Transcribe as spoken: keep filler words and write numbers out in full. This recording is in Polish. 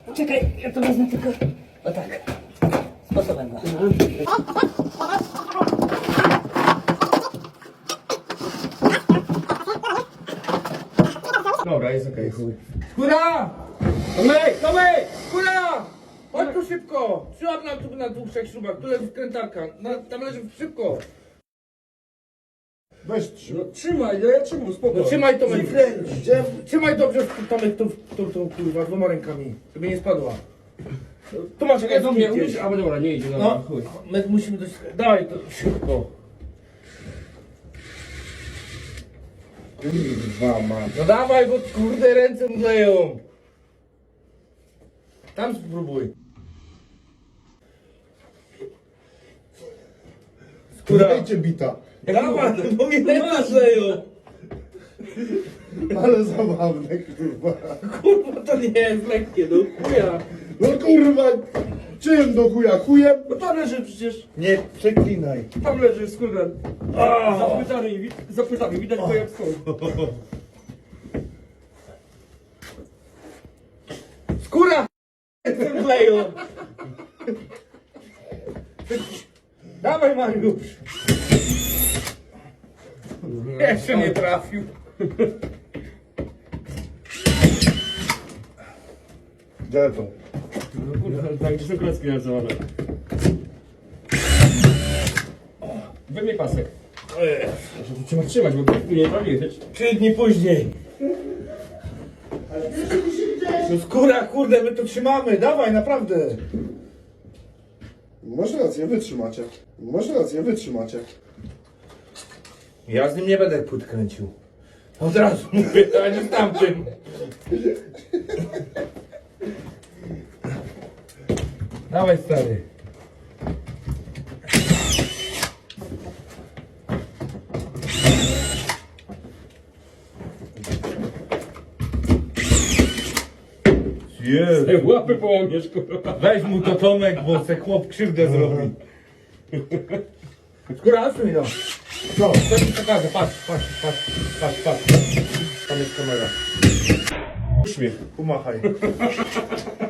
Czekaj, ja to wezmę tylko. O tak. Sposobem go. Dobra, jest okej, chuj. Kura! Tomek, Tomek! Kura! Chodź tu szybko! Przyłap nam tu na dwóch, trzech śrubach, tu leży wkrętarka. Na, tam leży szybko! Weź trzy. No trzymaj, ja, ja trzymam, spokojnie. No trzymaj Tomek! Gdzie? Trzymaj dobrze Tomek tą, tą, tą kurwa dwoma rękami, żeby nie spadła. Tu masz Czekaj, jakieś do mnie, gdzieś. umiesz? A dobra, nie idzie, dobra, No, chuj. my musimy dość... Dawaj to szybko. Kurwa ma. No dawaj, bo kurde ręce mdleją. Tam spróbuj. Skóra. Dajcie bita. Dawaj, bo mi ręce mdleją. Ale zabawne, kurwa. Kurwa, to nie jest lekkie, no chuja. No kurwa. Czym do chuja? Chujem? No tam leży przecież, Nie przeklinaj. tam leży skórka. Za płytami, wi- za płytami, widać go jak stoi. Skóra. Ręce mdleją. Dawaj, Mariusz. Jeszcze nie trafił. Gdzie to? No kurde, tak, gdzie są klocki narysowane. Wyjmij pasek. Muszę tu trzeba trzymać, bo tu nie trafiłeś. Trzy dni później. No skóra, kurde, my to trzymamy. Dawaj, naprawdę. Masz rację, wytrzymacie. Masz rację, wytrzymacie. Ja z nim nie będę płyt kręcił. Od razu mówię, a nie z tamtym. Dawaj, stary. Jezu. Ej, łapy połamiesz, kurwa. Weź mu to Tomek, bo se chłop krzywdę zrobi. Skóra, odsuń no. Co? Co ci pokażę? Patrz, patrz, patrz, patrz, patrz. Tam jest kamera. Uśmiech. Pomachaj.